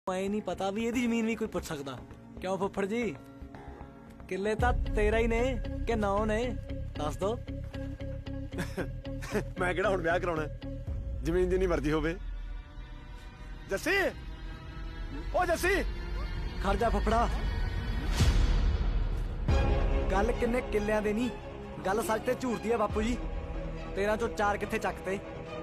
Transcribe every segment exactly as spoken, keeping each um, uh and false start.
ਐ ਨਹੀਂ ਪਤਾ ਵੀ ਇਹਦੀ ਜ਼ਮੀਨ ਵੀ ਕੋਈ ਪੁੱਛ ਸਕਦਾ। ਕਿਉਂ ਫੁੱਫੜ ਜੀ, ਕਿੱਲੇ ਤਾਂ ਤੇਰਾ ਹੀ ਨੇ ਕਿ ਨੌ ਨੇ, ਦੱਸ ਦੋ। ਮੈਂ ਕਿਹੜਾ ਹੁਣ ਵਿਆਹ ਕਰਾਉਣਾ, ਜ਼ਮੀਨ ਜਿੰਨੀ ਮਰਜ਼ੀ ਹੋਵੇ। ਜੱਸੀ, ਓ ਜੱਸੀ, ਖੜ ਜਾ ਫੁੱਫੜਾ। ਗੱਲ ਕਿੰਨੇ ਕਿੱਲਿਆਂ ਦੇ ਨਹੀਂ, ਗੱਲ ਸੱਚ ਤੇ ਝੂਠ ਦੀ ਆ ਬਾਪੂ ਜੀ। ਤੇਰਾਂ ਚੋਂ ਚਾਰ ਕਿੱਥੇ ਚੱਕਤੇ।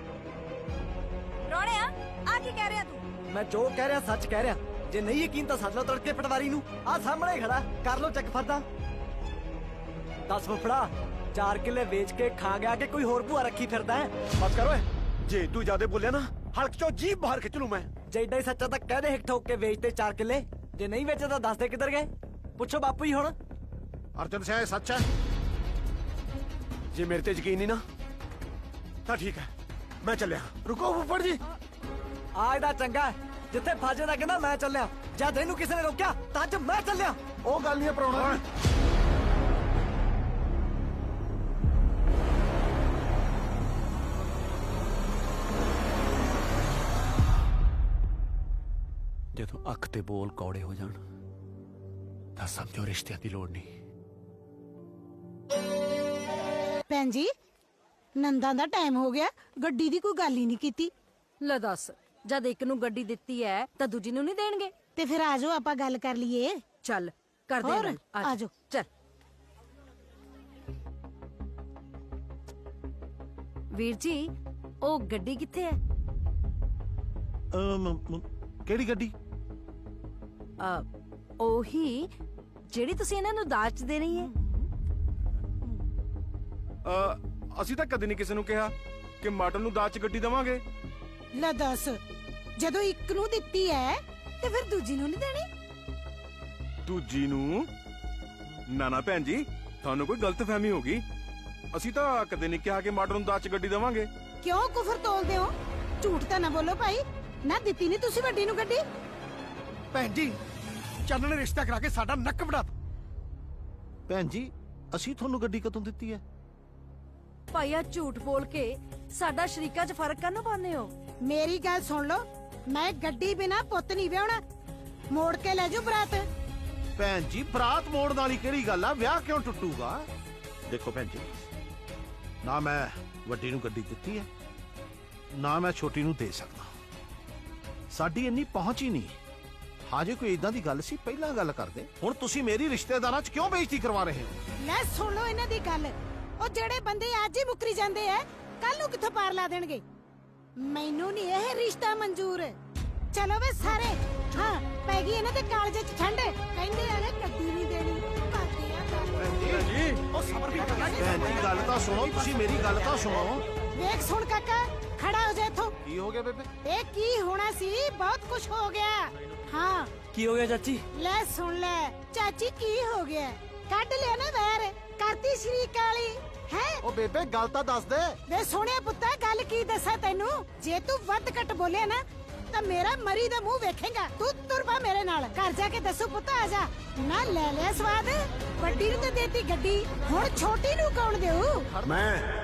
ਰੋਣਿਆ ਆ ਕੀ ਕਹਿ ਰਿਹਾ ਤੂੰ? ਮੈਂ ਜੋ ਕਹਿ ਰਿਹਾ ਸੱਚ ਕਹਿ ਰਿਹਾ। ਜੇ ਨਹੀਂ ਯਕੀਨ ਤਾਂ ਸੱਦ ਲਓ ਤੜਕੇ ਪਟਵਾਰੀ ਨੂੰ, ਆ ਸਾਹਮਣੇ ਖੜਾ, ਕਰ ਲਓ ਚੈੱਕ ਫਰਦਾ। ਦੱਸ ਫੁੱਫੜਾ, ਚਾਰ ਕਿੱਲੇ ਵੇਚ ਕੇ ਖਾ ਗਿਆ ਕਿ ਕੋਈ ਹੋਰ ਭੂਆ ਰੱਖੀ ਫਿਰਦਾ ਹੈ? ਬਸ ਕਰ ਓਏ, ਜੇ ਤੂੰ ਜ਼ਿਆਦਾ ਬੋਲਿਆ ਨਾ ਹਲਕ ਚੋਂ ਜੀਭ ਬਾਹਰ ਖਿੱਚ ਲੂ ਮੈਂ। ਜੇ ਏਡਾ ਹੀ ਸੱਚਾ ਤਾਂ ਕਹਿ ਦੇ ਹਿੱਕ ਠੋਕ ਕੇ ਵੇਚਤੇ ਚਾਰ ਕਿੱਲੇ। ਜੇ ਨਹੀਂ ਵੇਚੇ ਤਾਂ ਦੱਸ ਦੇ ਕਿੱਧਰ ਗਏ। ਪੁੱਛੋ ਬਾਪੂ ਜੀ ਹੁਣ। ਅਰਜਨ ਸਿੰਘ ਇਹ ਸੱਚ ਹੈ? ਜੇ ਮੇਰੇ ਤੇ ਯਕੀਨ ਨਹੀਂ ਨਾ ਤਾਂ ਠੀਕ ਹੈ, ਮੈਂ ਚੱਲਿਆ। ਰੁਕੋ ਫੁੱਫੜ ਜੀ। ਆ ਇਹਦਾ ਚੰਗਾ, ਜਿੱਥੇ ਫਾਜੇ ਦਾ ਕਹਿੰਦਾ ਮੈਂ ਚੱਲਿਆ, ਜਦ ਇਹਨੂੰ ਕਿਸੇ ਨੇ ਰੋਕਿਆ ਤਾਂ ਅੱਜ ਮੈਂ ਚੱਲਿਆ। ਉਹ ਗੱਲ ਨਹੀਂ ਪਰਾਉਣਾ। ਜਦੋਂ ਅੱਖ ਤੇ ਬੋਲ ਕੌੜੇ ਹੋ ਜਾਣ ਤਾਂ ਸਮਝੋ ਰਿਸ਼ਤਿਆਂ ਦੀ ਲੋੜ ਨਹੀਂ। ਭੈਣ ਜੀ, ਨੰਦਾਂ ਦਾ ਟਾਈਮ ਹੋ ਗਿਆ, ਗੱਡੀ ਦੀ ਕੋਈ ਗੱਲ ਹੀ ਨਹੀਂ ਕੀਤੀ। ਲੈ ਦੱਸ, ਜਦ ਇੱਕ ਨੂੰ ਗੱਡੀ ਦਿੱਤੀ ਐ ਤਾਂ ਦੂਜੀ ਨੂੰ ਨਹੀਂ ਦੇਣਗੇ? ਤੇ ਫਿਰ ਆਜੋ ਆਪਾਂ ਗੱਲ ਕਰ ਲਈਏ। ਚੱਲ ਕਰਦੇ ਹੋਰ, ਗੱਲ, ਆਜੋ। ਚੱਲ। ਵੀਰ ਜੀ, ਉਹ ਗੱਡੀ ਕਿੱਥੇ ਐ? ਕਿਹੜੀ ਗੱਡੀ? ਆ ਉਹੀ ਜਿਹੜੀ ਤੁਸੀਂ ਇਹਨਾਂ ਨੂੰ ਦਾਜ 'ਚ ਦੇਣੀ ਹੈ। ਅ ਅਸੀਂ ਤਾਂ ਕਦੇ ਨਹੀਂ ਕਿਸੇ ਨੂੰ ਕਿਹਾ ਕਿ ਮਾਡਲ ਨੂੰ ਦਾਜ 'ਚ ਗੱਡੀ ਦੇਵਾਂਗੇ। ਲੈ ਦੱਸ, ਜਦੋਂ ਇੱਕ ਨੂੰ ਦਿੱਤੀ ਐ ਤੇ ਫਿਰ ਦੂਜੀ ਨੂੰ ਨਹੀਂ ਦੇਣੀ? ਦੂਜੀ ਨੂੰ? ਨਾ ਨਾ ਭੈਣ ਜੀ, ਤੁਹਾਨੂੰ ਕੋਈ ਗਲਤਫਹਿਮੀ ਹੋ ਗਈ। ਅਸੀਂ ਤਾਂ ਕਦੇ ਨਹੀਂ ਕਿਹਾ ਕਿ ਮਾਡਲ ਨੂੰ ਦਾਜ 'ਚ ਗੱਡੀ ਦੇਵਾਂਗੇ। ਕਿਉਂ ਕੁਫਰ ਤੋਲਦੇ ਹੋ? ਝੂਠ ਤਾਂ ਨਾ ਬੋਲੋ ਭਾਈ। ਨਾ ਦਿੱਤੀ ਨਹੀਂ ਤੁਸੀਂ ਵੱਡੀ ਨੂੰ ਗੱਡੀ। ਭੈਣ ਜੀ, ਚੰਨ ਨੇ ਰਿਸ਼ਤਾ ਕਰਾ ਕੇ ਸਾਡਾ ਨੱਕ ਵੜਾ। ਭੈਣ ਜੀ, ਅਸੀਂ ਤੁਹਾਨੂੰ ਗੱਡੀ ਕਦੋਂ ਦਿੱਤੀ ਹੈ? ਭਾਈ ਆ ਝੂਠ ਬੋਲ ਕੇ ਸਾਡਾ ਸ਼ਰੀਕਾਂ 'ਚ ਫਰਕ ਕਾਹਨੂੰ ਪਾਉਂਦੇ ਹੋ? ਮੇਰੀ ਗੱਲ ਸੁਣ ਲਓ, ਮੈਂ ਗੱਡੀ ਬਿਨਾ ਪੁੱਤ ਨਹੀਂ ਵਿਆਹਣਾ। ਮੋੜ ਕੇ ਲੈ ਜਾਓ ਬਰਾਤ। ਭੈਣ ਜੀ, ਬਰਾਤ ਮੋੜਨ ਵਾਲੀ ਕਿਹੜੀ ਗੱਲ ਆ? ਵਿਆਹ ਕਿਉਂ ਟੁੱਟੂਗਾ? ਦੇਖੋ ਭੈਣ ਜੀ, ਨਾ ਮੈਂ ਵੱਡੀ ਨੂੰ ਗੱਡੀ ਦਿੱਤੀ ਹੈ, ਨਾ ਮੈਂ ਛੋਟੀ ਨੂੰ ਦੇ ਸਕਦਾ। ਸਾਡੀ ਇੰਨੀ ਪਹੁੰਚ ਹੀ ਨਹੀਂ। ਹਾਜੇ ਕੋਈ ਇਦਾਂ ਦੀ ਗੱਲ ਸੀ ਪਹਿਲਾਂ ਗੱਲ ਕਰਦੇ। ਹੁਣ ਤੁਸੀਂ ਮੇਰੀ ਰਿਸ਼ਤੇਦਾਰਾਂ 'ਚ ਕਿਉਂ ਬੇਇੱਜ਼ਤੀ ਕਰਵਾ ਰਹੇ ਹੋ? ਲੈ ਸੁਣ ਲਓ ਇਹਨਾਂ ਦੀ ਗੱਲ। ਉਹ ਜਿਹੜੇ ਬੰਦੇ ਅੱਜ ਹੀ ਮੁੱਕਰੀ ਜਾਂਦੇ ਐ, ਕੱਲ ਨੂੰ ਕਿੱਥੋਂ ਪਾਰ ਲਾ ਦੇਣਗੇ। ਮੈਨੂੰ ਨਹੀਂ ਇਹ ਰਿਸ਼ਤਾ ਮਨਜ਼ੂਰ। ਚਲੋ ਵੇ ਸਾਰੇ। ਹਾਂ, ਪੈ ਗਈ ਇਹਨਾਂ ਦੇ ਕਾਲਜੇ 'ਚ ਠੰਡ। ਕਹਿੰਦੇ ਆ ਗੱਡੀ ਨਹੀਂ ਦੇਣੀ। ਕਰਦੇ ਆ ਗੱਲ। ਭੈਣ ਜੀ, ਉਹ ਸਬਰ ਵੀ ਕਰ ਲੈ। ਭੈਣ ਜੀ, ਗੱਲ ਤਾਂ ਸੁਣੋ, ਤੁਸੀਂ ਮੇਰੀ ਗੱਲ ਤਾਂ ਸੁਣੋ। ਵੇਖ ਸੁਣ ਕਾਕਾ, ਖੜਾ ਹੋ ਜਾ ਇੱਥੋਂ। ਕੀ ਹੋ ਗਿਆ ਬੇਬੇ? ਇਹ ਕੀ ਹੋਣਾ ਸੀ? ਬਹੁਤ ਕੁਝ ਹੋ ਗਿਆ। ਹਾਂ, ਕੀ ਹੋ ਗਿਆ ਚਾਚੀ? ਲੈ ਸੁਣ ਲੈ ਚਾਚੀ, ਕੀ ਹੋ ਗਿਆ? ਕੱਢ ਲਿਆ ਨਾ ਵੈਰ, ਕਰਤੀ ਸ਼ਰੀਕ ਵਾਲੀ ਹੈ। ਉਹ ਬੇਬੇ, ਗੱਲ ਤਾਂ ਦੱਸ ਦੇ। ਵੇ ਸੋਹਣਿਆ ਪੁੱਤਾ, ਗੱਲ ਕੀ ਦੱਸਾਂ ਤੈਨੂੰ? ਜੇ ਤੂੰ ਵੱਧ ਘੱਟ ਬੋਲਿਆ ਨਾ ਤਾਂ ਮੇਰਾ ਮਰੀ ਦਾ ਮੂੰਹ ਵੇਖੇਗਾ। ਤੂੰ ਤੁਰ ਪਾ ਮੇਰੇ ਨਾਲ, ਘਰ ਜਾ ਕੇ ਦੱਸੂ ਪੁੱਤ। ਆ ਜਾ ਨਾ, ਲੈ ਲਿਆ ਸਵਾਦ। ਵੱਡੀ ਨੂੰ ਤਾਂ ਦੇਤੀ ਗੱਡੀ, ਹੁਣ ਛੋਟੀ ਨੂੰ ਕੌਣ ਦੇਊ? ਮੈਂ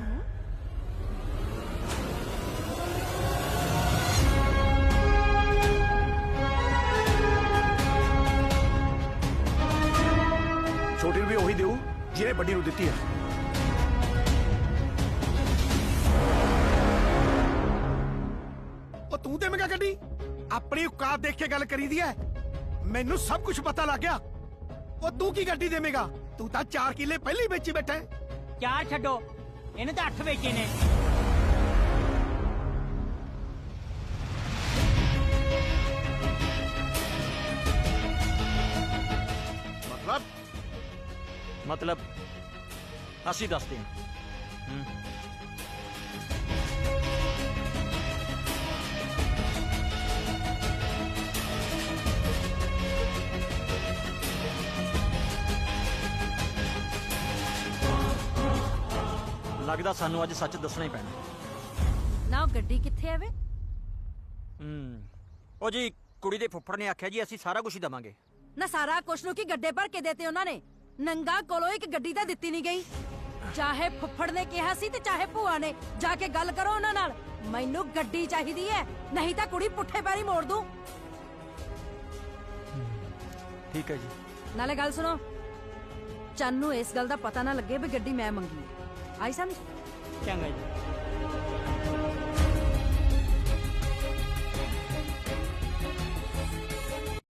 ਛੋਟੀ ਨੂੰ ਵੀ ਉਹੀ ਦੇਊ ਜਿਹਨੇ ਵੱਡੀ ਨੂੰ ਦਿੱਤੀ ਹੈ। ਉਹ ਤੂੰ ਦੇਵੇਂਗਾ ਗੱਡੀ? ਆਪਣੀ ਔਕਾਤ ਦੇਖ ਕੇ ਗੱਲ ਕਰੀਦੀ ਐ। ਮੈਨੂੰ ਸਭ ਕੁਝ ਪਤਾ ਲੱਗ ਗਿਆ। ਉਹ ਤੂੰ ਕੀ ਗੱਡੀ ਦੇਵੇਂਗਾ? ਤੂੰ ਤਾਂ ਚਾਰ ਕਿੱਲੇ ਪਹਿਲਾਂ ਹੀ ਵੇਚੀ ਬੈਠਾ ਹੈ। ਚਾਰ ਛੱਡੋ, ਇਹਨੇ ਤਾਂ ਅੱਠ ਵੇਚੇ ਨੇ। ਮਤਲਬ ਮਤਲਬ ਅਸੀਂ ਦੱਸਦੇ ਹਾਂ। ਲੱਗਦਾ ਸਾਨੂੰ ਅੱਜ ਸੱਚ ਦੱਸਣਾ ਹੀ ਪੈਣਾ। ਨਾ ਉਹ ਗੱਡੀ ਕਿੱਥੇ ਐ ਵੇ? ਹੂੰ, ਉਹ ਜੀ ਕੁੜੀ ਦੇ ਫੁੱਫੜ ਨੇ ਆਖਿਆ ਜੀ ਅਸੀਂ ਸਾਰਾ ਕੁਝ ਹੀ ਦਵਾਂਗੇ। ਨਾ ਸਾਰਾ ਕੁਛ ਨੂੰ ਕੀ ਗੱਡੇ ਭਰ ਕੇ ਦੇਤੇ ਉਹਨਾਂ ਨੇ? ਨੰਗਾ ਕੋਲੋਂ ਇੱਕ ਗੱਡੀ ਤਾਂ ਦਿੱਤੀ ਨਹੀਂ ਗਈ। ਚਾਹੇ ਫੁੱਫੜ ਨੇ ਕਿਹਾ ਸੀ ਤੇ ਚਾਹੇ ਭੂਆ ਨੇ। ਜਾ ਕੇ ਗੱਲ ਕਰੋ ਉਹਨਾਂ ਨਾਲ। ਮੈਨੂੰ ਗੱਡੀ ਚਾਹੀਦੀ ਹੈ, ਨਹੀਂ ਤਾਂ ਕੁੜੀ ਪੁੱਠੇ ਪੈਰੀ ਮੋੜ ਦੂੰ। ਠੀਕ ਹੈ ਜੀ। ਨਾਲੇ ਗੱਲ ਸੁਣੋ, ਚੰਨ ਨੂੰ ਇਸ ਗੱਲ ਦਾ ਪਤਾ ਨਾ ਲੱਗੇ ਵੀ ਗੱਡੀ ਮੈਂ ਮੰਗੀ ਹੈ। ਆਈ ਸਮਝ? ਚੰਗਾ ਜੀ।